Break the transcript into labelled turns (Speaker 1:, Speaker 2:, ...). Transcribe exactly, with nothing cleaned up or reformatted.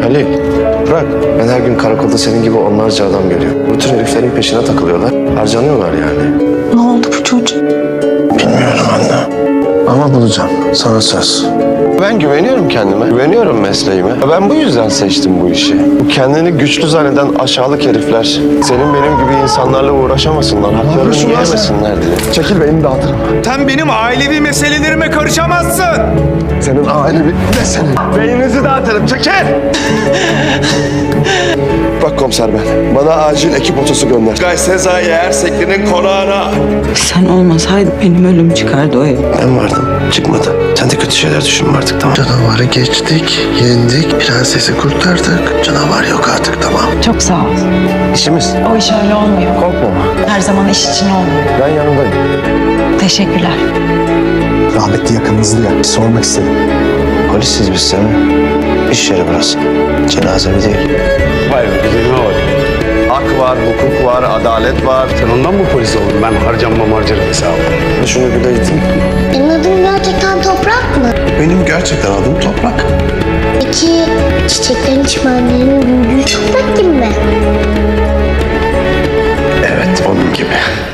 Speaker 1: Halil, bırak. Ben her gün karakolda senin gibi onlarca adam görüyorum. Bu tür heriflerin peşine takılıyorlar. Harcanıyorlar yani.
Speaker 2: Ne oldu bu çocuk?
Speaker 1: Bilmiyorum anne. Ama bulacağım. Sana söz. Ben güveniyorum kendime. Güveniyorum mesleğime. Ben bu yüzden seçtim bu işi. Bu kendini güçlü zanneden aşağılık herifler senin benim gibi insanlarla uğraşamasınlar. Haklarını yiyemesinler diye. Çekil beni dağıtırım.
Speaker 3: Sen benim ailevi meselelerime karışamazsın.
Speaker 1: Senin ailevi ne senin? Beyninizi dağıtırım. Çekil! Bak komiser ben. Bana acil ekip otosu gönder. Gay Sezai Ersekli'nin konağına.
Speaker 2: Sen olmasaydın benim ölüm çıkardı o ev.
Speaker 1: Ben vardım. Çıkmadı. Sen de kötü şeyler düşünme artık, tamam. Canavarı geçtik, yendik, prensesi kurtardık. Canavar yok artık, tamam.
Speaker 4: Çok sağ ol.
Speaker 1: İşimiz.
Speaker 4: O iş öyle olmuyor.
Speaker 1: Korkma.
Speaker 4: Her zaman iş için olmuyor.
Speaker 1: Ben yanındayım.
Speaker 4: Teşekkürler.
Speaker 5: Rahmetli yakınınızdı ya, bir sormak istedim.
Speaker 1: Polisiz biz Sami. İş yeri burası. Cenazemi değil.
Speaker 6: Vay be güzelime bak.
Speaker 1: Hak var, hukuk var, adalet var.
Speaker 6: Sen ondan mı polis oldun? Ben harcanmam harcarım hesabı.
Speaker 1: Şunu bir de iteyim.
Speaker 7: Benim adım gerçekten Toprak mı?
Speaker 1: Benim gerçekten adım Toprak.
Speaker 7: Peki çiçeklerin çimenlerin büyüdüğü toprak gibi mi?
Speaker 1: Evet, onun gibi.